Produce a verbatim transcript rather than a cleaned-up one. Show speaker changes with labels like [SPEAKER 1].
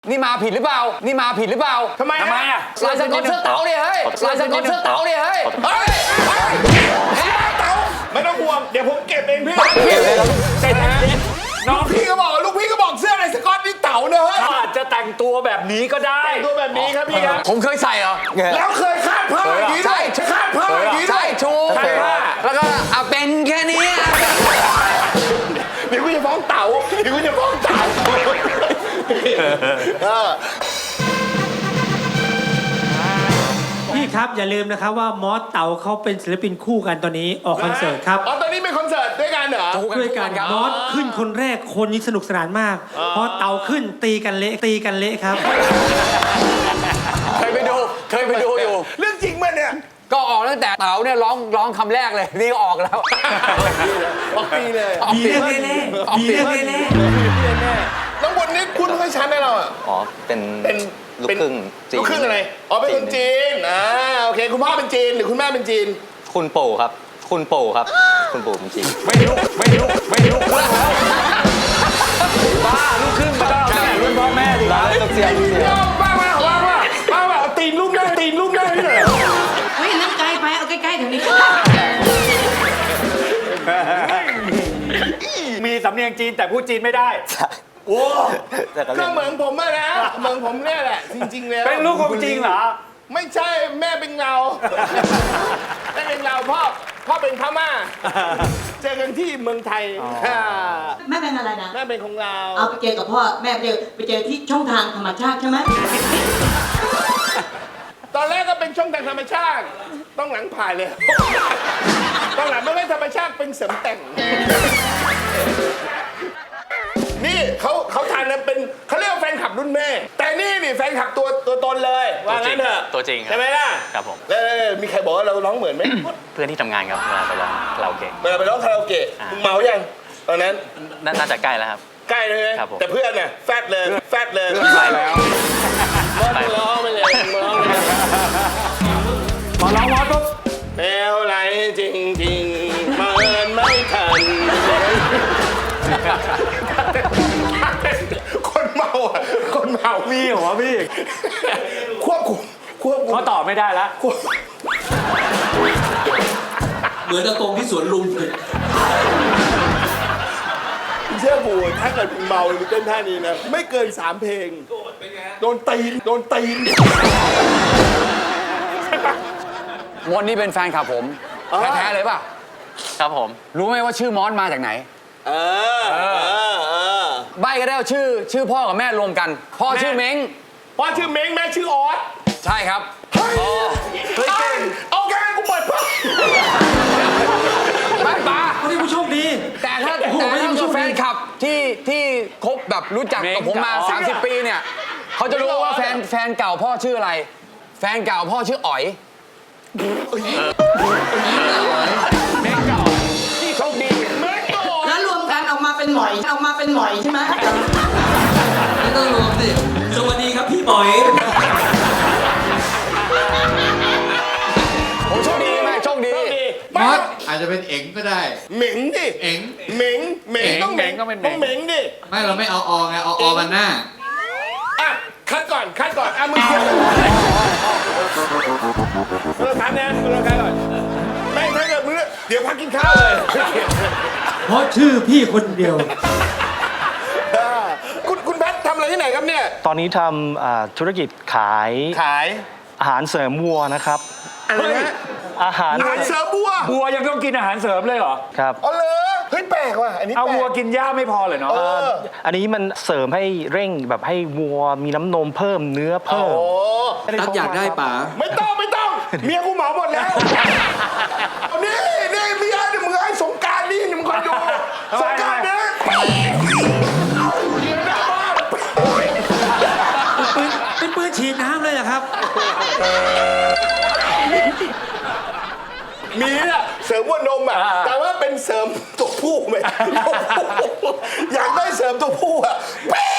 [SPEAKER 1] นี่มาผิดหรือเปล่านี่มาผิดหรือเปล่า
[SPEAKER 2] ทำไม
[SPEAKER 3] ทำไมอ่ะ
[SPEAKER 1] ลายสก๊อตเสื้อเต๋าเนี่ยเฮ้ยลายสก๊อตเสื้อเต๋าเนี่ยเฮ้ยเฮ้ยเฮ้ยเต๋า
[SPEAKER 2] ไม่ต้องห่วงเดี๋ยวผมเก็บเองพี่
[SPEAKER 3] เต้นนะน้อง
[SPEAKER 2] พี่ก็บอกลูกพี่ก็บอกเสื้ออะไรสก๊อตนี่เต๋าเนอะ
[SPEAKER 3] เขาอาจจะแต่งตัวแบบนี้ก็ได้
[SPEAKER 2] แต่งตัวแบบนี้ครับพี่ครับ
[SPEAKER 1] ผมเคยใส่เหรอ
[SPEAKER 2] แล้วเคยคาดผ้าอย่างนี้ด้วยคาดผ้าอย่างนี้ด้
[SPEAKER 1] ใช่
[SPEAKER 2] วย
[SPEAKER 1] ชู
[SPEAKER 3] ใช่ว่า
[SPEAKER 1] แล้วก็อ่ะเป็นแค่นี้
[SPEAKER 2] เดี๋ยวกูจะฟ้องเต๋าเดี๋ยวกูจะฟ้องเต๋าเออ
[SPEAKER 4] พี่ครับอย่าลืมนะครับว่ามอสเต๋าเขาเป็นศิลปินคู่กันตอนนี้ออกคอนเสิร์ตครับ
[SPEAKER 2] อ๋อตอนนี้เป็นคอนเสิร์ตด้วยกันเหรอ
[SPEAKER 4] ด้วยกัน
[SPEAKER 1] ครับ
[SPEAKER 4] มอสขึ้นคนแรกคนนี้สนุกสนานมากพอเต๋าขึ้นตีกันเละตีกันเละครับ
[SPEAKER 1] เคยไปดูเคยไปดูอยู่
[SPEAKER 2] เรื่องจริงมั้ยเนี่ย
[SPEAKER 1] ก็ออกตั้งแต่เต๋าเนี่ยร้องร้องคำแรกเลยนี่ก็ออกแล้ว
[SPEAKER 2] ออกปีเลย
[SPEAKER 4] มีเรื่องเละๆมีเรื่องเละ
[SPEAKER 2] น้องบนนี่คุณให้ชั้นให้เราอ่ะ
[SPEAKER 5] อ๋อ เป็น
[SPEAKER 2] เป็น
[SPEAKER 5] ลูกครึ่งจีน
[SPEAKER 2] ลูกครึ่งอะไรอ๋อเป็นคนจีนอ่าโอเคคุณพ่อเป็นจีนหรือคุณแม่เป็นจีน
[SPEAKER 5] คุณปู่ครับ คุณปู่ครับ คุณปู่เป็นจีน
[SPEAKER 3] ไม่ลุกไม่ลุกไม่ลุกแล้วบ้าลูกครึ่งมันต้องเอาแต่รุ่นพ่อแม่ดิครับ
[SPEAKER 5] ต้องเสียงเสียง
[SPEAKER 2] บ้าบ้าบ้าบ้าบ้าบ้าเอาตีนลูกได้ตีนลูกได้ที่ไหน
[SPEAKER 6] เฮ้ยนั่นไกลไป เอาใกล้ๆแถวนี้
[SPEAKER 3] มีสำเนียงจีนแต่พูดจีนไม่ได้
[SPEAKER 2] โอ้
[SPEAKER 5] แต่ก็
[SPEAKER 2] ก็
[SPEAKER 5] เล่น
[SPEAKER 2] เหมือนผมอะนะเหมือนผมเนี่ยแหละจริงๆแล้ว
[SPEAKER 3] เป็นลูกของจริงเหรอ
[SPEAKER 2] ไม่ใช่แม่เป็นเราแม่เป็นเราพ่อพ่อเป็นพม่าเจอกันที่เมืองไทย
[SPEAKER 6] แม่เป็นอะไรนะ
[SPEAKER 2] แม่เป็นของเรา
[SPEAKER 6] เอาไปเจอกับพ่อ แม่ไปเจอไปเจอที่ช่องทางธรรมชาติใช่ไหม
[SPEAKER 2] ตอนแรกก็เป็นช่องทางธรรมชาติต้องหลังผ่ายเลยต้องหลังไม่เป็นธรรมชาติเป็นเสริมแต่ง นี่เขาเขาทานนะเป็นเขาเรียกว่าแฟนคลับรุ่นแม่ แต่นี่นี่แฟนคลับตัวตัวตนเลยว่างั้นเถอะ
[SPEAKER 5] ตัวจริงครับ
[SPEAKER 2] ใช่ไหมล่ะ
[SPEAKER 5] ครับผม
[SPEAKER 2] แล้วมีใครบอกว่าเราร้องเหมือนไหม
[SPEAKER 5] เพื่อนที่ทำงานครับเวลาไปร้องคาราโอเกะ
[SPEAKER 2] เวลาไปร้องคาราโอเกะ
[SPEAKER 5] อ่ามึ
[SPEAKER 2] มึงเมายังตอนนั้น
[SPEAKER 5] น่าน่าจะใกล้แล้วครับ
[SPEAKER 2] ใกล้เลยไหม
[SPEAKER 5] ครับผม
[SPEAKER 2] แต่เพื่อนน่ะแฟดเลยแฟดเลย
[SPEAKER 5] ไปแล้ว
[SPEAKER 2] มอสมึงร้องไปเลยมึงร้องไปเลย
[SPEAKER 3] พอร้องมอสปุ๊บ
[SPEAKER 2] แมวไหลจริงจริงๆเมินไม่ทันคนเมาอ่ะคนเมา
[SPEAKER 3] มีเหรอพี่
[SPEAKER 2] ควบคุมควบคุม
[SPEAKER 3] เขาตอบไม่ได้แล้ว
[SPEAKER 2] ควบ
[SPEAKER 7] เหมือนอากงที่สวนลุมเลย
[SPEAKER 2] เชื่อกูถ้าเกิดมึงเมามึงเต้นท่านี้นะไม่เกินสามเพลงโดนตีนโดนตีน
[SPEAKER 1] มอนนี่เป็นแฟนคลับผม
[SPEAKER 2] อ๋อ
[SPEAKER 1] แท้ๆเลยป่ะ
[SPEAKER 5] ครับผม
[SPEAKER 1] รู้ไหมว่าชื่อมอสมาจากไหน
[SPEAKER 2] เออเออเออ
[SPEAKER 1] ใบก็ได้ว่าชื่อชื่อพ่อกับแม่รวมกัน พ่อชื่อเม้ง
[SPEAKER 2] พ่อชื่อเม้งแม่ชื่อออส
[SPEAKER 1] ใช่ครับ
[SPEAKER 2] เฮ้ยเฮ้ยเก่งโอเคกูเปิดพ่อ
[SPEAKER 1] ไม่ป้า
[SPEAKER 4] เขาเรียกผู้โชคดี
[SPEAKER 1] แต่ถ้า
[SPEAKER 4] โอ้โห
[SPEAKER 1] แต่
[SPEAKER 4] ไม่
[SPEAKER 1] ถ้า
[SPEAKER 4] ต้อง
[SPEAKER 1] เกิด
[SPEAKER 4] ช่วย
[SPEAKER 1] แฟนคลับที่ที่คบแบบรู้จักกับผมมา สามสิบ ปีเนี่ยเขาจะรู้ว่าแฟนแฟนเก่าพ่อชื่ออะไร แฟนเก่าพ่อชื่ออ๋อยโชคดี
[SPEAKER 2] เม้งโต
[SPEAKER 6] แล้วรวมกันออกมาเป็นหมอยออกมาเป็นหมอยใช่ไหม
[SPEAKER 7] ไม่ต้องรวมสิ สวัสดีครับพี่หมอย
[SPEAKER 1] ผมโชคดีไหมโชคดี
[SPEAKER 2] โชคดี
[SPEAKER 8] ม
[SPEAKER 2] ไม่
[SPEAKER 8] อสอาจจะเป็นเอ๋งก็ได้
[SPEAKER 2] เหม็งดิ
[SPEAKER 8] เอ๋ง
[SPEAKER 2] เหม็งเหม็งต้องเหม็งต้องเหม็งดิ
[SPEAKER 8] ไม่เราไม่เอาออไงเอาออกันหน้า
[SPEAKER 2] อ่ะคัดก่อนคัดก่อนอ่ะมึงเขียนเราทานนะเราคัดก่อนไม่ถ้าเกิดมึงเดี๋ยวพักกินข้าวเลย
[SPEAKER 4] เพราะชื่อพี่คนเดียว
[SPEAKER 2] คุณคุณแพททำอะไรที่ไหนครับเนี่ย
[SPEAKER 9] ตอนนี้ทำอ่าธุรกิจขาย
[SPEAKER 2] ขาย
[SPEAKER 9] อาหารเสริมวัวนะครับ
[SPEAKER 2] อะไรนะ
[SPEAKER 9] อาหาร
[SPEAKER 2] อาหารเสริมบัว
[SPEAKER 3] บัวยังต้องกินอาหารเสริมเลยเหรอ
[SPEAKER 9] ครับ
[SPEAKER 2] อ๋อเลยเฮ้ยแปลกว่ะอันนี้
[SPEAKER 3] เอา
[SPEAKER 2] แปล
[SPEAKER 3] วัว
[SPEAKER 2] ก
[SPEAKER 3] กินหญ้าไม่พอเลยเนาะ
[SPEAKER 2] เออ
[SPEAKER 9] อันนี้มันเสริมให้เร่งแบบให้วัวมีน้ำนมเพิ่มเนื้อ
[SPEAKER 2] โอ้
[SPEAKER 9] เพิ่ม
[SPEAKER 7] ตัดอยากได้ป๋า
[SPEAKER 2] ไม่ต้องไม่ต้องเมียกูเหมาหมดแล้วนี่นี่เมียเนี่ยมึงไอ้สงกรารนี่มึงคอยดูสงกรารเนี่ยเมียหน้าบ้าน
[SPEAKER 4] ปืนเป็นปืนฉีดน้ำเลยเหรอครับ
[SPEAKER 2] มีอะเสริมวัวนมอะแต่ว่าเป็นเสริมตัวผู้ไหมตัวผู้อยากได้เสริมตัวผู้อะเป๊ะ